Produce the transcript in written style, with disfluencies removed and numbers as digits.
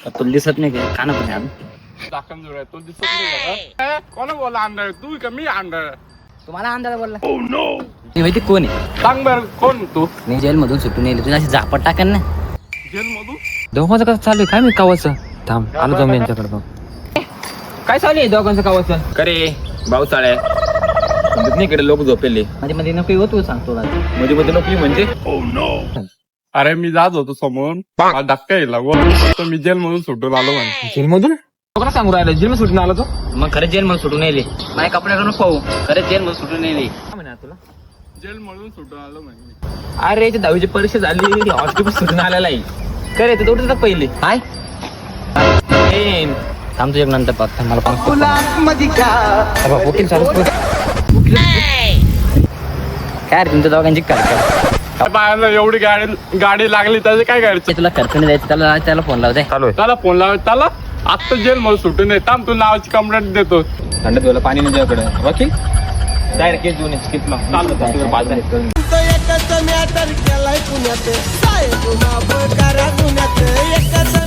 तुला दिसत नाही का काना पण आहे दाखन जोड तो दिसत नाही का? कोण बोला अंडर तू का मी अंडर तुम्हाला अंदाज बोलला ती माहिती कोण आहे सांग बर कोण तू मी जेल मधून सुटून येईल तुझी अशी झापट टाकेन ना जेल मधून दोघांचं कसं चालू आहे काय मी कावाचं थांब आलो जाऊन यांच्याकडे बघ काय चालू आहे दोघांचं कावाचं करे भाऊ चाळे नाही इकडे लोक झोपेले मध्ये मध्ये नको येऊ तू सांगतो मध्ये मध्ये नोकरी म्हणजे अरे मी जात होतो समोर मला धक्का येईल तर मी जेल मधून सुटून आलो म्हणजे जेलमधून लोकांना सांगू राहिलं जेल सुटून आला तो मग खरंच जेल मधून सुटून येईल माझ्या कपड्याकडून पाहू खरंच जेल मधून सुटून येईल काय म्हणा तुला जेल मधून सुटून आलो म्हणजे अरे ते 10वी ची परीक्षा झाली हॉस्टेल सुटून आलेला आहे करे ते तेवढं पहिले काय थांब तुझ्या नंतर पाहत मला वकील चालू काय रे तुमच्या दोघांची काय बाहेर एवढी गाडी लागली त्याचे काय करायचं तुला खर्चने द्यायचं त्याला फोन लावते चालू आहे त्याला फोन लावायचा त्याला आत्ता जेल मधून सुटून ये थांब तू नावाची कंप्लेंट देतो थंड तुला पाणी नाही तुझ्याकडे वकील डायरेक्ट केस देऊन केस चालू पाच एकच मॅटर केलाय पुण्यात साहेब माफ करा पुण्यात एकच